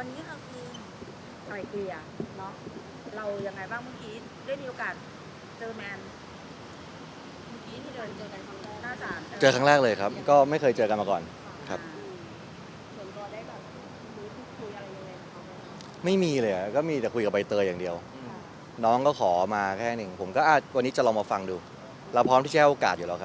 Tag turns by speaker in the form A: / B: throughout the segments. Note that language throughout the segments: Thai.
A: วันนี้ค่ะพี่ไกลเกลี่ยเนาะเรายังไงบ้างเมื่อกี้ได้มีโอกาสเจอแมนเมื่อกี้ที่เดินเจอกันครั้งแรกหน้าศาล
B: เจอครั้งแรกเลยครับ ก็ไม่เคยเจอกันมาก่อนครับ
A: ส่วนตัวได้แบบรู้พูดคุยอะไรยังไงกับเขาไหมคะ
B: ไม่มีเลยอะก็มีแต่คุยกับใบเตยอย่างเดียว น้องก็ขอมาแค่หนึ่งผมก็วันนี้จะลองมาฟังดู เราพร้อมที่จะให้โอกาสอยู่แล้วครับ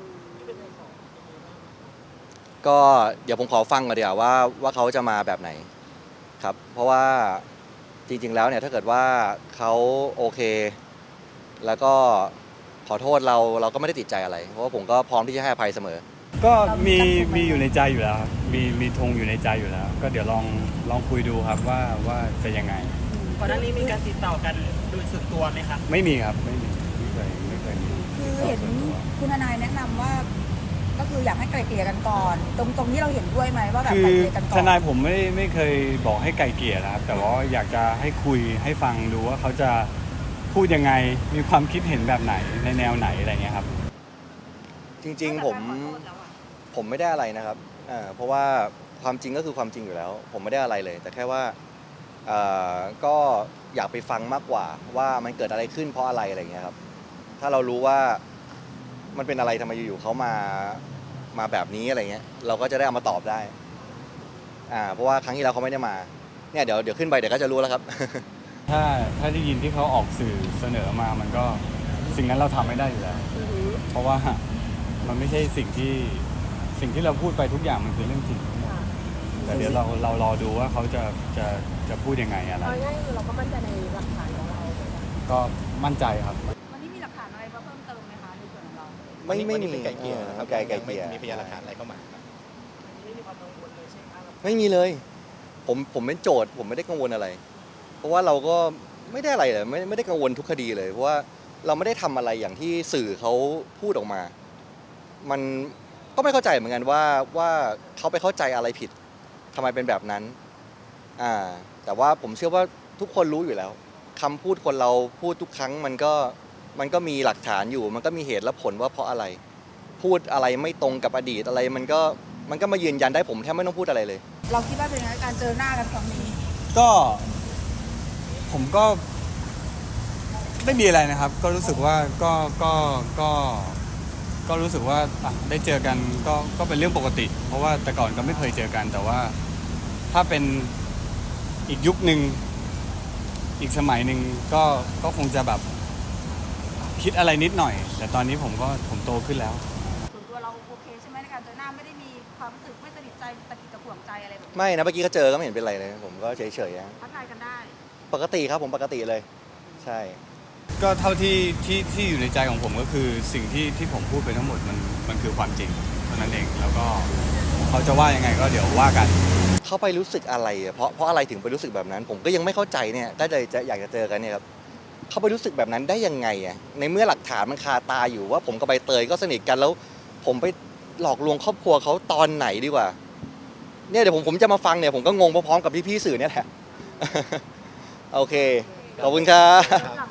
B: ก็เดี๋ยวผมขอฟังก่อนเดี๋ยวว่าเขาจะมาแบบไหนครับ เพราะว่าจริงๆแล้วเนี่ยถ้าเกิดว่าเขาโอเค แล้วก็ขอโทษเราก็ไม่ได้ติดใจอะไร เพราะว่าผมก็พร้อมที่จะให้อภัยเสมอ
C: ก็มีอยู่ในใจอยู่แล้วครับมีธงอยู่ในใจอยู่แล้ว ก็เดี๋ยวลองคุยดูครับว่าจะยังไง
D: ก่อนหน้านี้มีการติดต่อกันโดยส่วนตัวไหมครับ
C: ไม่มีครับไม่เคยมี
A: คือเห็นคุณทนายแนะนำว่าก็คืออยากให้ไกลเกลี่ยกันก่อน ตรงที่เราเห็นด้วยไหมว่าแบบ
C: คื
A: ไกล
C: อ
A: เกลี่ยกันก่อน
C: ทนายผมไม่เคยบอกให้ไกลเกลี่ยนะครับ แต่ว่าอยากจะให้คุยให้ฟังดูว่าเขาจะพูดยังไงมีความคิดเห็นแบบไหนในแนวไหนอะไรเงี้ยครับ
B: จริงๆผมไม่ได้อะไรนะครับเพราะว่าความจริงก็คือความจริงอยู่แล้ว ผมไม่ได้อะไรเลย แต่แค่ว่าก็อยากไปฟังมากกว่าว่ามันเกิดอะไรขึ้นเพราะอะไรอะไรเงี้ยครับถ้าเรารู้ว่ามันเป็นอะไรทำไมอยู่ๆเขามาแบบนี้อะไรเงี้ยเราก็จะได้เอามาตอบได้เพราะว่าครั้งที่แล้วเขาไม่ได้มาเนี่ยเดี๋ยวขึ้นไปเดี๋ยวก็จะรู้แล้วครับ
C: ถ้าได้ยินที่เขาออกสื่อเสนอมามันก็สิ่งนั้นเราทำไม่ได้อยู่แล้ว เพราะว่ามันไม่ใช่สิ่งที่เราพูดไปทุกอย่างมันคือเรื่องจริงแต่เดี๋ยวเรารอดูว่าเขาจะพูดยังไงอะไร
A: เอาง่ายๆคือเราก็มั่นใจในหลักฐานของเรา
C: ก็มั่นใจครับ
A: วันนี้มีหลักฐานอะไรมาเพิ่มเติมไหมคะในส่วนของเรา
B: ไม่มี
E: ไก่เกลี่ยนะครับ
B: ไก่เกลี่ย
E: มีพยานหลักฐานอะไรเข้ามาครับ
D: ไม่มีความกังวลเลยใช่ไหมครับ
B: ไม่มีเลย ผมเป็นโจทย์ผมไม่ได้กังวลอะไร เพราะว่าเราก็ไม่ได้อะไรเลยไม่ได้กังวลทุกคดีเลยเพราะว่าเราไม่ได้ทำอะไรอย่างที่สื่อเขาพูดออกมา มันก็ไม่เข้าใจเหมือนกันว่าเขาไปเข้าใจอะไรผิดทำไมเป็นแบบนั้นแต่ว่าผมเชื่อว่าทุกคนรู้อยู่แล้วคำพูดคนเราพูดทุกครั้งมันก็มีหลักฐานอยู่ มันก็มีเหตุและผลว่าเพราะอะไร พูดอะไรไม่ตรงกับอดีตอะไรมันก็มายืนยันได้ผมแทบไม่ต้องพูดอะไรเลย
A: เราคิดว่าเป็นยังไงการเจอหน้ากันครั้งนี้
C: ก็ผมก็ไม่มีอะไรนะครับ ก็รู้สึกว่าก็รู้สึกว่าได้เจอกันก็เป็นเรื่องปกติ เพราะว่าแต่ก่อนก็ไม่เคยเจอกัน แต่ว่าถ้าเป็นอีกยุคหนึ่งอีกสมัยหนึ่งก็คงจะแบบคิดอะไรนิดหน่อย แต่ตอนนี้ผมโตขึ้นแล้ว
A: ส่วนตัวเราโอเคใช่ไหมในการเจอหน้าไม่ได้มีความรู้สึกไม่สนิทใจตะกิดตะขวงใจอะไรแบบนี้
B: ไม่นะเมื่อกี้ก็เจอก็ไม่เห็นเป็นไรเลย ผมก็เฉยๆ
A: ทักทายกันได้
B: ปกติครับผมปกติเลย ใช่
C: ก็เท่าที่อยู่ในใจของผมก็คือสิ่งที่ผมพูดไปทั้งหมดมันคือความจริงเท่านั้นเองแล้วก็เขาจะว่ายังไงก็เดี๋ยวว่ากัน
B: เขาไปรู้สึกอะไรอะเพราะอะไรถึงไปรู้สึกแบบนั้น ผมก็ยังไม่เข้าใจเนี่ยก็เลยจะอยากจะเจอกันเนี่ยครับเขาไปรู้สึกแบบนั้นได้ยังไงอะในเมื่อหลักฐานมันคาตาอยู่ว่าผมกับใบเตยก็สนิทกันแล้วผมไปหลอกลวงครอบครัวเขาตอนไหนดีกว่าเนี่ยเดี๋ยวผมจะมาฟังเนี่ยผมก็งงพร้อมๆกับพี่ๆสื่อเนี่ยแหละ โอเคขอบคุณครับ